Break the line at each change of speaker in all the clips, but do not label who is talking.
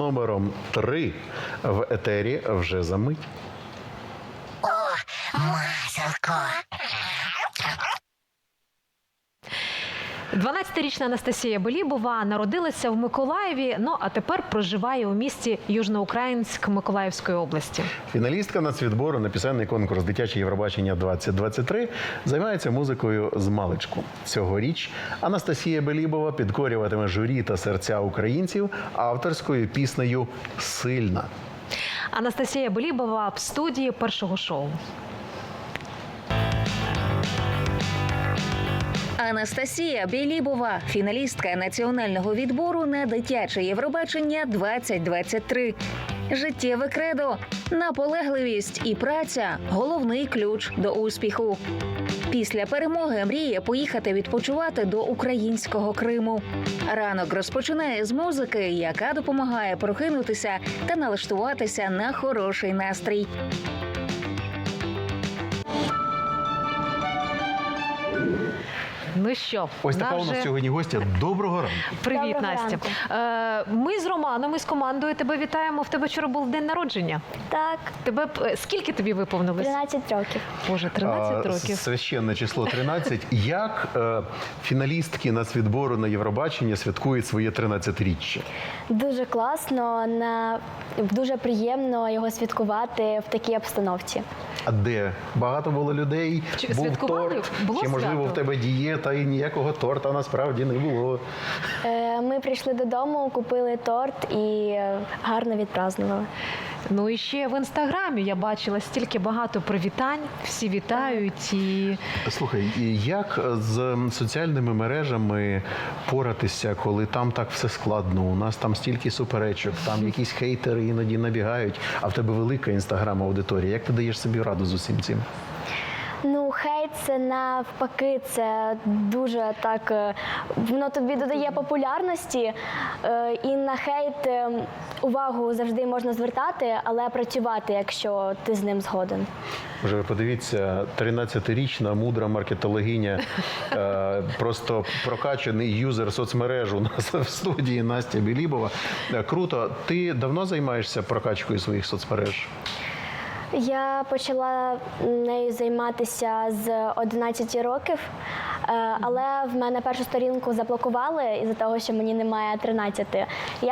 номером 3 в етері вже за мить.
О, маселко!
12-річна Анастасія Белібова народилася в Миколаєві, а тепер проживає у місті Южноукраїнськ Миколаївської області.
Фіналістка нацвідбору на пісенний конкурс «Дитяче Євробачення-2023» займається музикою з маличку. Цьогоріч Анастасія Белібова підкорюватиме журі та серця українців авторською піснею «Сильна».
Анастасія Белібова в студії першого шоу.
Анастасія Белібова – фіналістка національного відбору на дитяче Євробачення 2023. Життєве кредо, наполегливість і праця – головний ключ до успіху. Після перемоги мріє поїхати відпочивати до українського Криму. Ранок розпочинає з музики, яка допомагає прокинутися та налаштуватися на хороший настрій.
Ну що,
Ось така у нас сьогодні гостя. Доброго ранку.
Привіт,
Доброго
Настя. Ми з Романом, і з командою тебе вітаємо. В тебе вчора був день народження.
Так,
Скільки тобі виповнилось?
13 років.
Боже, 13 років.
Священне число 13. Як фіналістки нацвідбору на Євробачення святкують своє 13-річчя?
Дуже класно, дуже приємно його святкувати в такій обстановці.
А де? Багато було людей?
Чи
Був
святкували?
торт?
Було
Чи, можливо,
свято?
в тебе дієта і ніякого торта насправді не було?
Ми прийшли додому, купили торт і гарно відпразнували.
Ну і ще в Інстаграмі я бачила стільки багато привітань. Всі вітають і...
Слухай, як з соціальними мережами поратися, коли там так все складно? У нас там стільки суперечок, там якісь хейтери іноді набігають, а в тебе велика інстаграм-аудиторія. Як ти даєш собі раду з усім цим?
Ну, хейт – це навпаки, це дуже так, воно тобі додає популярності, і на хейт увагу завжди можна звертати, але працювати, якщо ти з ним згоден.
Може, ви подивіться, 13-річна мудра маркетологиня, просто прокачаний юзер соцмереж у нас в студії Настя Белібова. Круто. Ти давно займаєшся прокачкою своїх соцмереж?
Я почала нею займатися з 11 років, але в мене першу сторінку заблокували із-за того, що мені немає 13. Я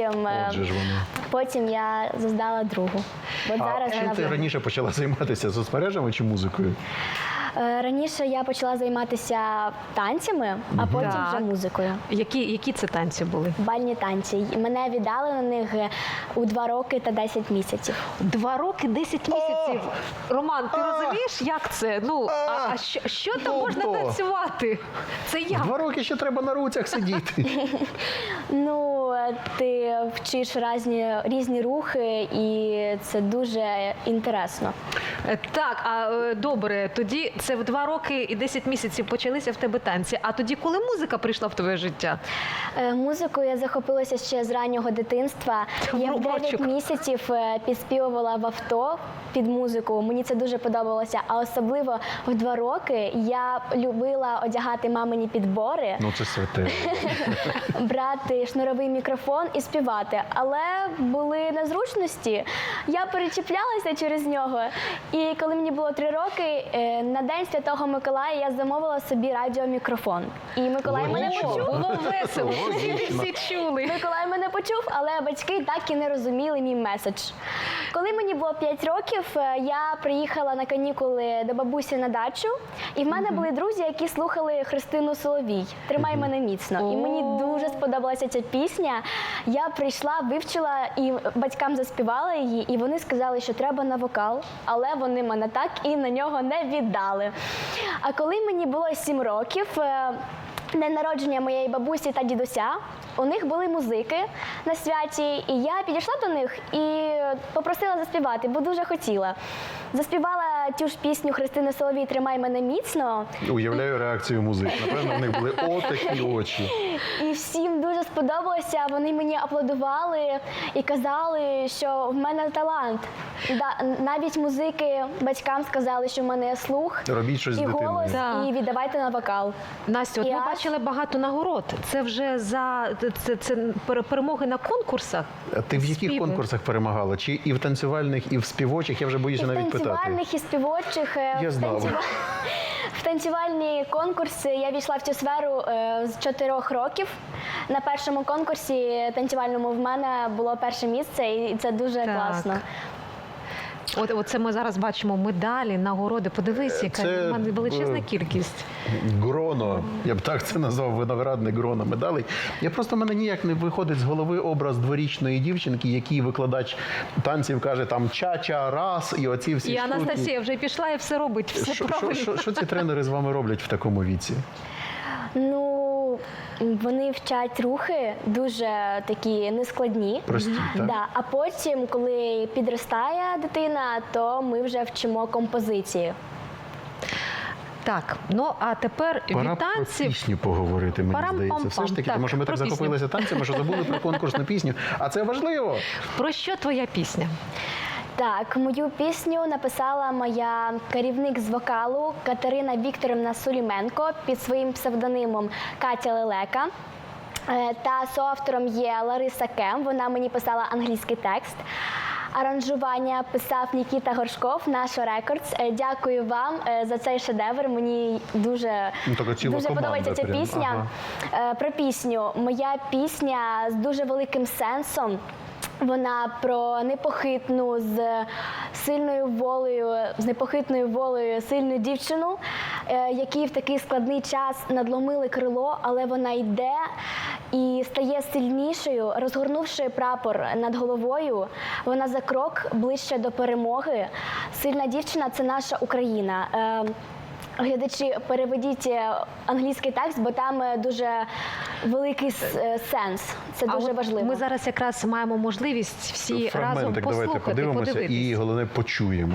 потім я здала другу. От зараз
Чим ти раніше почала займатися соцмережами чи музикою?
Раніше я почала займатися танцями, а потім вже музикою.
Які це танці були?
Бальні танці. Мене віддали на них у 2 роки та 10 місяців.
2 роки, 10 місяців. Роман, ти розумієш, як це? Ну, що там можна танцювати? Це як?
2 роки ще треба на руцях сидіти.
Ну, ти вчиш різні рухи, і це дуже інтересно.
Так, добре, тоді це в 2 роки і 10 місяців почалися в тебе танці. А тоді, коли музика прийшла в твоє життя?
Музикою я захопилася ще з раннього дитинства. Я в 9 місяців підспівувала в авто під музику. Мені це дуже подобалося. А особливо в 2 роки я любила одягати мамині підбори.
Ну, це святе.
Брати шнуровий мікрофон і співати. Але були незручності. Я перечіплялася через нього. І коли мені було 3 роки, на День Святого Миколая я замовила собі радіомікрофон. І Миколай мене почув.
Було весело, всі чули.
Миколай мене почув, але батьки так і не розуміли мій меседж. Коли мені було 5 років, я приїхала на канікули до бабусі на дачу, і в мене були друзі, які слухали Христину Соловій «Тримай мене міцно». І мені дуже сподобалася ця пісня. Я прийшла, вивчила і батькам заспівала її, і вони сказали, що треба на вокал, але вони мене так і на нього не віддали. А коли мені було 7 років, день народження моєї бабусі та дідуся, у них були музики на святі, і я підійшла до них і попросила заспівати, бо дуже хотіла. Заспівала ту ж пісню Христини Соловій «Тримай мене міцно».
Уявляю реакцію музик. Напевно, в них були отакі очі.
І всім дуже сподобалося. Вони мені аплодували і казали, що в мене талант. Навіть музики батькам сказали, що в мене є слух
Робіть щось з
і
дитиною.
голос,
Так.
і віддавайте на вокал.
Настя, от
І
ми
аж-
бачили багато нагород. Це вже це перемоги на конкурсах.
А ти в яких
Співи.
конкурсах перемагала? Чи і в танцювальних, і в співочих? Я вже боюся
І в
навіть питати.
танцювальних, і співочих.
Я знав.
В танцювальні конкурси я війшла в цю сферу з 4 років. На першому конкурсі танцювальному в мене було перше місце, і це дуже
Так.
класно.
От це ми зараз бачимо медалі, нагороди. Подивись, яка
Це,
в мене величезна кількість.
Гроно, я б так це назвав, виноградне гроно медалей. Я просто, в мене ніяк не виходить з голови образ дворічної дівчинки, який викладач танців каже там ча-ча, раз, і оці всі
І
штуки.
Анастасія вже пішла і все робить, все правильно.
Що ці тренери з вами роблять в такому віці?
Ну, вони вчать рухи дуже такі нескладні.
Прості, так?
Да. А потім, коли підростає дитина, то ми вже вчимо композиції.
Так, ну а тепер
Пора
від
про
танців.
пісню поговорити, мені
Парам-пам-пам.
здається. Все ж таки,
Так,
тому що ми так
про пісню.
захопилися танцями, що забули про конкурсну пісню. А це важливо.
Про що твоя пісня?
Так, мою пісню написала моя керівник з вокалу Катерина Вікторівна Суліменко під своїм псевдонимом Катя Лелека. Та соавтором є Лариса Кем, вона мені писала англійський текст. Аранжування писав Нікіта Горшков, наш Рекордс. Дякую вам за цей шедевр. Мені дуже,
Ну, така ціла
дуже
команда
подобається ця
прям.
пісня. Про пісню. Моя пісня з дуже великим сенсом. Вона про непохитну з непохитною волею сильну дівчину, якій в такий складний час надломили крило, але вона йде і стає сильнішою, розгорнувши прапор над головою. Вона за крок ближче до перемоги. Сильна дівчина – це наша Україна. Глядачі, переведіть англійський текст, бо там дуже великий сенс. Це дуже
от
важливо.
Ми зараз якраз маємо можливість всі разом
Фрагментик давайте
послухати,
подивимося
подивитись.
і, головне, почуємо.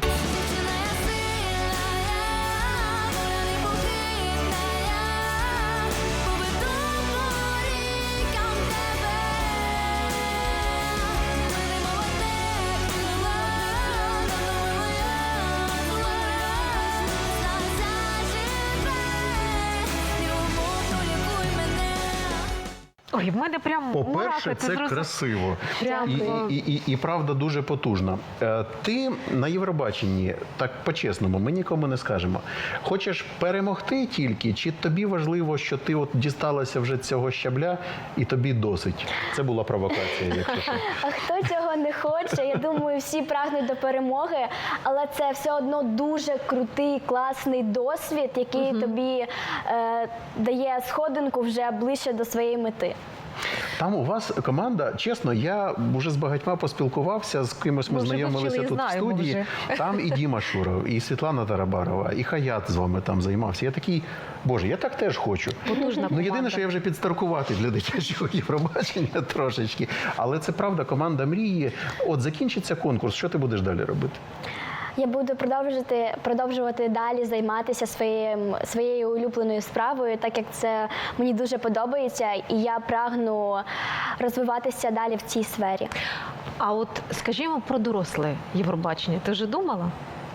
Ой, в мене прям
По-перше,
мурахи, ти
це
зрозумів?
красиво.
Прям,
І правда дуже потужна. Ти на Євробаченні, так по-чесному, ми нікому не скажемо. Хочеш перемогти тільки, чи тобі важливо, що ти от дісталася вже цього щабля і тобі досить? Це була провокація, якщо що.
А хто цього не хоче? Я думаю, всі прагнуть до перемоги, але це все одно дуже крутий, класний досвід, який тобі дає сходинку вже ближче до своєї мети.
Там у вас команда, чесно, я вже з багатьма поспілкувався, з кимось ми
Ми вже
знайомилися
вивчили і
тут в
знаємо
студії. Там і Діма Шуров, і Світлана Тарабарова, і Хаят з вами там займався. Я такий, боже, я так теж хочу.
Потужна
Ну, єдине,
команда.
що я вже підстаркуватий для дитячого Євробачення трошечки. Але це правда, команда мрії. От закінчиться конкурс, що ти будеш далі робити?
Я буду продовжувати далі займатися своєю улюбленою справою, так як це мені дуже подобається, і я прагну розвиватися далі в цій сфері.
А от скажімо про доросле Євробачення. Ти вже думала?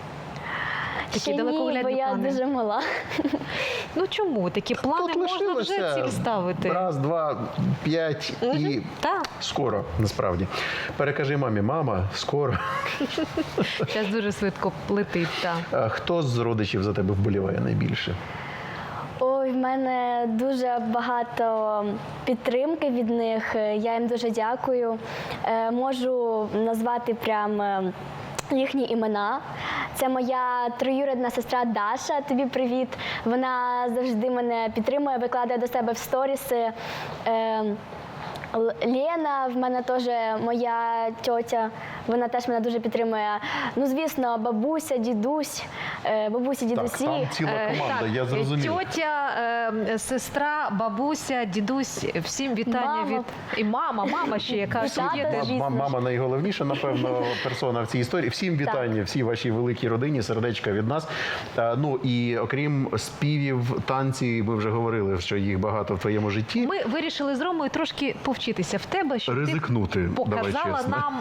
Такі
Ще ні, бо
далекоглядні
я
плани.
дуже мала.
Ну чому? Такі плани можна вже ціль ставити.
Раз, два, 5 і
Так.
скоро, насправді. Перекажи мамі, мама, скоро.
Час дуже швидко летить. Так.
А хто з родичів за тебе вболіває найбільше?
Ой, в мене дуже багато підтримки від них. Я їм дуже дякую. Можу назвати прям їхні імена. Це моя троюрідна сестра Даша. Тобі привіт. Вона завжди мене підтримує, викладає до себе в сторіси Лена, в мене теж моя тьотя, вона теж мене дуже підтримує. Ну, звісно, бабуся, дідусь, бабусі,
Так,
дідусі.
там ціла команда, я зрозумів.
Тьотя, сестра, бабуся, дідусь, всім вітання
Мама.
від і мама ще, яка
І
ж є
тата,
теж.
звісно.
Мама найголовніша, напевно, персона в цій історії. Всім вітання, всій вашій великій родині, сердечка від нас. Ну і окрім співів, танці, ми вже говорили, що їх багато в твоєму житті.
Ми вирішили з Ромою трошки повчитися в тебе, щоб
Ризикнути,
ти
давай
показала
чесно.
нам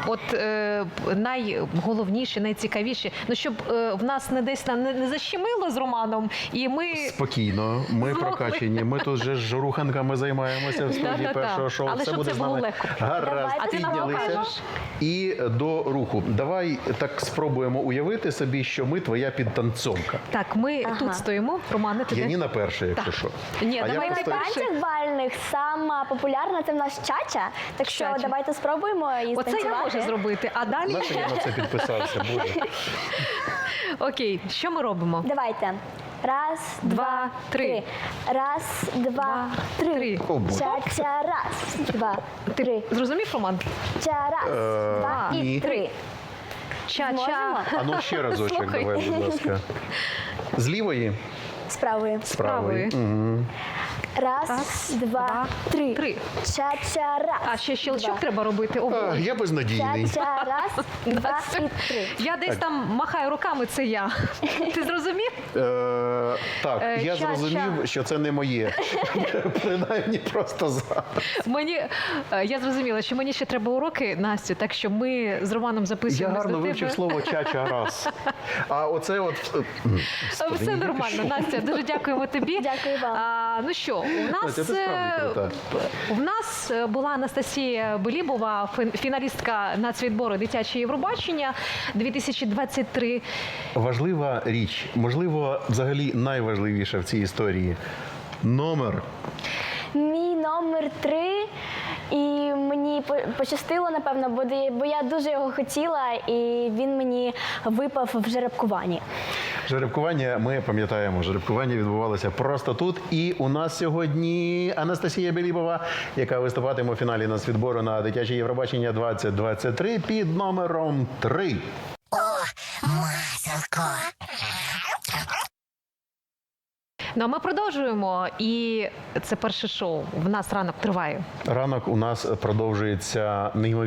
найголовніше, найцікавіше. Ну, щоб в нас не десь не защемило з Романом, і ми...
Спокійно, ми
Змогли.
прокачені. Ми тут же ж руханками займаємося в студії
Да-да-да.
першого шоу.
Але
Все
щоб
буде
це
з
було
нами
легко.
гаразд.
Давайте,
А ти нам
Піднялися.
покажеш?
І до руху. Давай так спробуємо уявити собі, що ми твоя підтанцовка.
Так, ми тут стоїмо. Романе, ти де?
Яніна перша, якщо що.
Ні,
А я
давай
На
просто...
перший.
танцях бальних сама популярна це в нас чача, так що
Чача.
давайте спробуємо і
Оце я
станцювати.
можу зробити. А далі?
Нащо я на це підписався? Боже.
Окей, що ми робимо?
Давайте. Раз, два, три. Раз, два, три.
три.
О, Боже.
Ча-ча, раз, два, три.
Зрозумів, Роман?
Ча, раз, два
ні.
і три.
Ча-ча.
Зможемо?
А ну ще разочок,
Слухай.
давай, будь ласка. з лівої?
З правої.
З правої.
правої.
Раз,
Раз,
два,
два,
три.
три.
Ча-ча, раз.
А ще щелчок
два.
треба робити. О,
А, я безнадійний.
Ча-ча, раз, два і три.
я десь там махаю руками, це я. Ти зрозумів?
Так, я
Ча-ча.
зрозумів, що це не моє. Принаймні просто зараз.
Я зрозуміла, що мені ще треба уроки, Настю, так що ми з Романом
Я
записуємося
гарно
до тебе.
вивчив слово чача раз. А оце от... Господи,
Все
ні,
нормально,
що?
Настя. Дуже дякуємо тобі.
Дякую вам.
Ну що,
Настя, ти справді крута.
в нас була Анастасія Белібова, фіналістка нацвідбору дитяче Євробачення 2023.
Важлива річ, можливо, взагалі найважливіша в цій історії. Номер.
Мій номер 3, і мені пощастило, напевно, бо я дуже його хотіла, і він мені випав в жеребкуванні.
Жеребкування, ми пам'ятаємо, жеребкування відбувалося просто тут. І у нас сьогодні Анастасія Белібова, яка виступатиме у фіналі нацвідбору на дитяче Євробачення 2023 під номером 3.
Маселко.
Ну а ми продовжуємо. І це перше шоу. В нас ранок триває.
Ранок у нас продовжується неймовірно.